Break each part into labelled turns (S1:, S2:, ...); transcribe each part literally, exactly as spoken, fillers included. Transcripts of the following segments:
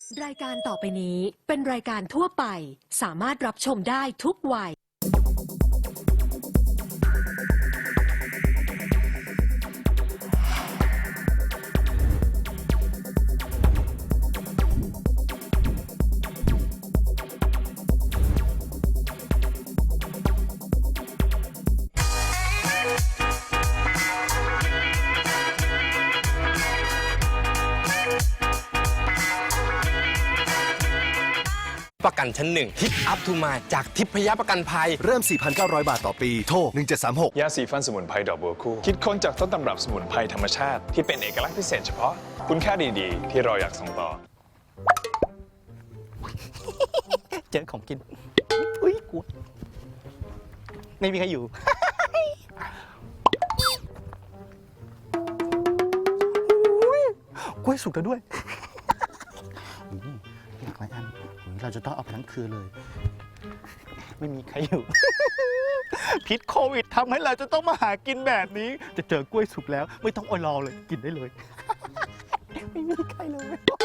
S1: รายการต่อไปนี้เป็นรายการทั่วไปสามารถรับชมได้ทุกวัย
S2: ประกันชั้นหนึ่งฮิตอัพทูมาจากทิพยประกันภัย
S3: เริ่ม สี่พันเก้าร้อย บาทต่อปี โทร หนึ่งเจ็ดสามหก
S4: ยาสีฟันสมุนไพรดอกบัวคู่คิดค้นจากต้นตำรับสมุนไพรธรรมชาติที่เป็นเอกลักษณ์พิเศษเฉพาะคุณค่าดีๆ ที่เราอยากส่งต่อ
S5: เจอของกินอุ้ยกลัวไม่มีใครอยู่ กล้วยสุกแล้วด้วยหลากหลายอันเราจะต้องเอาไปทั้งคืนเลย ไม่มีใครอยู่ พิษโควิดทำให้เราจะต้องมาหากินแบบนี้ จะเจอกล้วยสุกแล้ว ไม่ต้องอดรอเลยกินได้เลย ไม่มีใครเลย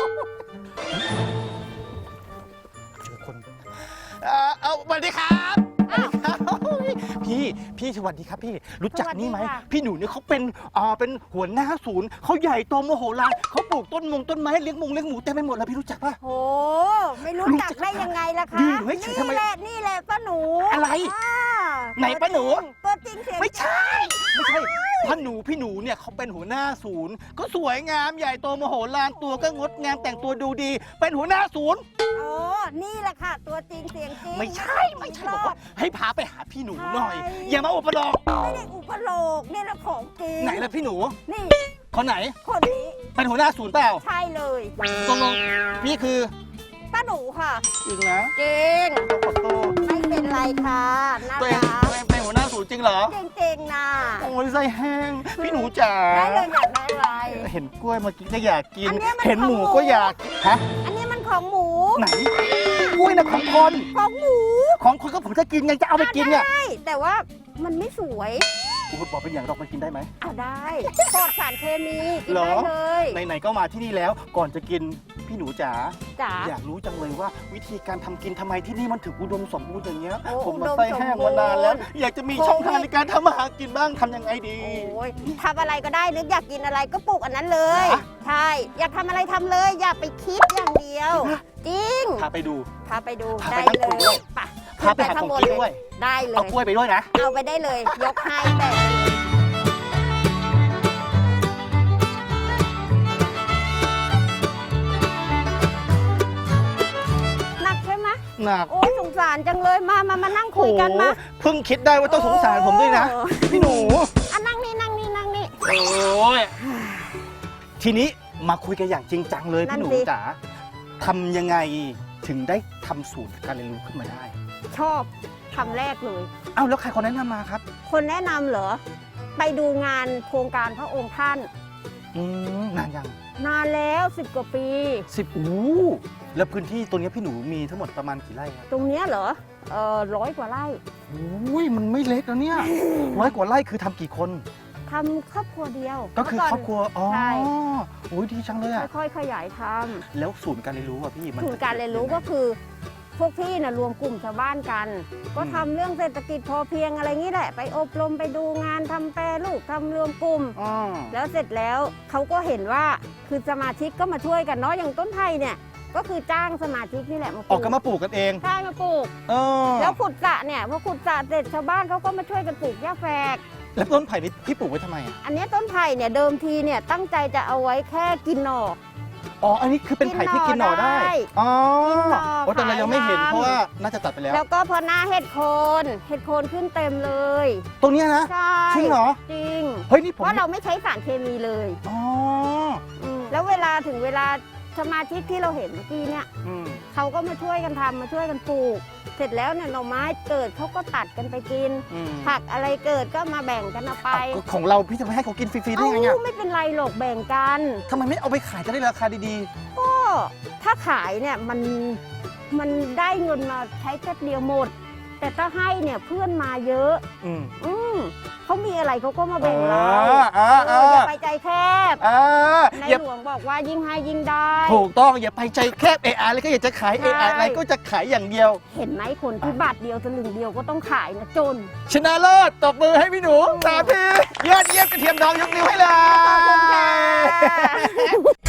S5: เจอคนเอ่อเอาสวัสดีครับสวัสดีครับพี่พี่สวัสดีครับพี่รู้จักนี่ไหมพี่หนูเนี่ยเขาเป็นอ่าเป็นหัวหน้าศูนย์เขาใหญ่โตโมโหลานเขาปลูกต้นมงต้นไม้เลี้ยงมงเลี้ยงหมูเต็มไปหมดแล้วพี่รู้จักปะ
S6: โอ้ไม่รู้จักได้ยังไงล่ะคะ
S5: ยืนอยู่ให้เฉยทำไม
S6: นี่แหละนี่แหละป้าหนู
S5: อะไร
S6: อ่า
S5: ไหนป้าหนู
S6: ตัวจริงเสียง
S5: ไม่ใช่ไม่ใช่พ่อหนูพี่หนูเนี่ยเขาเป็นหัวหน้าศูนย์ก็สวยงามใหญ่โตโมโหลานตัวก็งดงามแต่งตัวดูดี เป็นหัวหน้าศูนย์
S6: โอ้นี่แหละค่ะ ตัวจริงเสียงจริง
S5: ไม่ใช่ไม่ใช่บอกว่าให้พาไปหาพี่หนูหน่อย
S6: ใช่
S5: อย่ามาอุปโลก
S6: ไม่ได้อุปโลกเนี่ยแหละของจริง
S5: ไหนล่ะพี่หนู
S6: นี่
S5: คนไหน
S6: คนนี้
S5: เป็นหัวหน้าศูนย์เปล่า
S6: ใช่เลย
S5: ตกลงพี่คือ
S6: ป้าหนูค่ะ
S5: จริงนะ
S6: จริง
S5: ขอโทษ
S6: ไม่เป็นไรค่ะน่า
S5: ตัวเอง
S6: รัก
S5: ตัวเองเป็นหัวหน้าศูนย์จริงเหรอ
S6: จริงๆนะ
S5: โอ้ยไส้แห้งพี่หนูจ๋า
S6: ได้เลยอยากได้อะไร
S5: เห็นกล้วยเมื่อกี้ก็อยากกิน
S6: อันเนี้ยมัน
S5: เห็นหมู
S6: ของหมู
S5: ก็อยากฮะ
S6: อันนี้มันของหมู
S5: ไหนกล้วยนะของคน
S6: ของหมู
S5: ของคนก็ผมจะกินไงจะเอาไปกินเนี่ย
S6: ใช่แต่ว่ามันไม่สวย
S5: คุณบอกเป็นอย่างเรามันกินได้ไหม
S6: เอาได้ปลอดสารเคมีกิน
S5: เหรอ
S6: ได้เลย
S5: ไหนๆก็มาที่นี่แล้วก่อนจะกินพี่หนูจ๋า
S6: จ๋า
S5: อยากรู้จังเลยว่าวิธีการทำกินทำไมที่นี่มันถึงอุดมสมบูรณ์อย่างเงี้ย
S6: โอ้
S5: ผมมา
S6: อุดม
S5: ไส้แห้งมานานแล้ว
S6: สมบูรณ์
S5: อยากจะมีช่องทางในการทำอาหารกินบ้างทำยังไงดี
S6: โอ้ยทำอะไรก็ได้นึกอยากกินอะไรก็ปลูกอันนั้นเลย
S5: ฮะ
S6: ใช่ อยากทำอะไรทำเลย อย่าไปคิดอย่างเดียว จริง
S5: พาไปดู
S6: พาไปดู
S5: พาไป
S6: ได้
S5: นั่ง
S6: เล
S5: คุยด้วย
S6: ยไป
S5: พาไปหาของกินด้วย
S6: ได้เล
S5: เอา
S6: ย
S5: กล้วยไปด้วยนะ
S6: เอาไปได้เลย ยกให้แต่หนักใช่ไหม
S5: หนัก
S6: โอ้ยสงสารจังเลยมามามานั่งคุยกันมา
S5: โอ้โหเพิ่งคิดได้ว่าต้องสงสารผมด้วยนะ
S6: โอ้
S5: พี่หนู
S6: อ่ะนั่งนี่นั่งนี่นั่งนี่
S5: โอ้ยทีนี้มาคุยกันอย่างจริงจังเลย
S6: นั่
S5: พี่
S6: น
S5: หนู
S6: สิ
S5: จ๋าทำยังไงถึงได้ทำสูตรการเรียนรู้ขึ้นมาได้
S6: ชอบคำแรกเลย
S5: เอ้าแล้วใครคนแนะนำมาครับ
S6: คนแนะนำเหรอ ไปดูงานโครงการพระองค์ท่าน
S5: อืมนานยัง
S6: นานแล้วสิบกว่าปี
S5: สิบอู้แล้วพื้นที่ตรงนี้พี่หนูมีทั้งหมดประมาณกี่ไร่ครับ
S6: ตรงเนี้ยเหรอเออร้อยกว่าไร่
S5: อุ้ยมันไม่เล็กแล้วเนี่ย ร้อยกว่าไร่คือทำกี่คน
S6: ทำครอบครัวเดียว
S5: ก็คือ
S6: เมื่
S5: ครอบครัวอ๋อ
S6: ใช่
S5: โอ้ยดีจังเลยอะ
S6: ค่อยๆขยายท
S5: แล้วศูนย์การเรียนรู้อะพี่มัน
S6: ำศูนย์การเรียนรู้ก็คือ พวกพี่น่ะรวมกลุ่มชาวบ้านกัน ก็ทำเรื่องเศรษฐกิจพอเพียงอะไรงี้แหละ ไปอบรมไปดูงานทำแปรรูปทำรวมกลุ่ม
S5: อ๋อ
S6: แล้วเสร็จแล้วเขาก็เห็นว่าคือสมาชิกก็มาช่วยกันเนาะอย่างต้นไผ่เนี่ย ก็คือจ้างสมาชิกนี่แหละมาป
S5: อ
S6: ลู
S5: อกกันมาปลูกกันเอง
S6: ใช่มาปลูก
S5: เออ
S6: แล้วขุดสระเนี่ยพอขุดสระเสร็จชาวบ้านเขาก็มาช่วยกันปลูกหญ้าแฝก
S5: แล้วต้นไผ่นี่พี่ปลูกไว้ทำไมอะ
S6: อันนี้ต้นไผ่เนี่ยเดิมทีเนี่ยตั้งใจจะเอาไว้แค่กินหน่อ
S5: อ๋ออันนี้คือเป็นไผ่ที่กินหน่อได้
S6: กินหน่อได้
S5: อ๋อ
S6: กินหน่อ
S5: โอ้แต่เรายังไม่เห็น
S6: ขายน้ำ
S5: เพราะว่าน่าจะตัดไปแล้ว
S6: แล้วก็พอหน้าเห็ดโคน เห็ดโคนขึ้นเต็มเลย
S5: ตรงเนี้ยนะ
S6: ใช่
S5: จริงเหรอ
S6: จริง
S5: เฮ้ยนี่ผม
S6: เพราะเราไม่ใช้สารเคมีเลย
S5: อ๋อ
S6: อืมแล้วเวลาถึงเวลาสมาชิกที่เราเห็นเมื่อกี้เนี่ย
S5: อืม
S6: เขาก็มาช่วยกันทำมาช่วยกันปลูก เสร็จแล้วเนี่ยหน่อไม้เกิดเขาก็ตัดกันไปกิน
S5: อืม
S6: ผักอะไรเกิดก็มาแบ่งกันเอาไป
S5: เอาก็ของเราพี่จะไม่ให้เขากินฟรีๆได้
S6: เอ้า
S5: ไงอะ
S6: ไม่เป็นไรหรอกแบ่งกัน
S5: ทำไมไม่เอาไปขายจะได้ราคาดี
S6: ก็ถ้าขายเนี่ยมันมันได้เงินมาใช้แค่เดียวหมด แต่ถ้าให้เนี่ยเพื่อนมาเยอะ
S5: ๆ อืม
S6: อืมเขามีอะไรเขาก็มาแบ่งเรา
S5: เออเออ
S6: เอออย่าไปใจแคบ
S5: เออ
S6: ใน
S5: อย่า
S6: หลวงบอกว่ายิ่งให้ยิ่งได้
S5: ถูกต้องอย่าไปใจแคบเอไอะไรก็อยากจะขายเอไอะไรก็จะขายอย่างเดียว
S6: เห็นไหมคนที่บาทเดียวสลึงเดียวก็ต้องขายนะจน
S5: ชนะเลิศตบมือให้พี่หนูสามทียอดเยี่ยมกระเทียมดองยกนิ้วให้เลย
S6: ขอบคุณค่ะ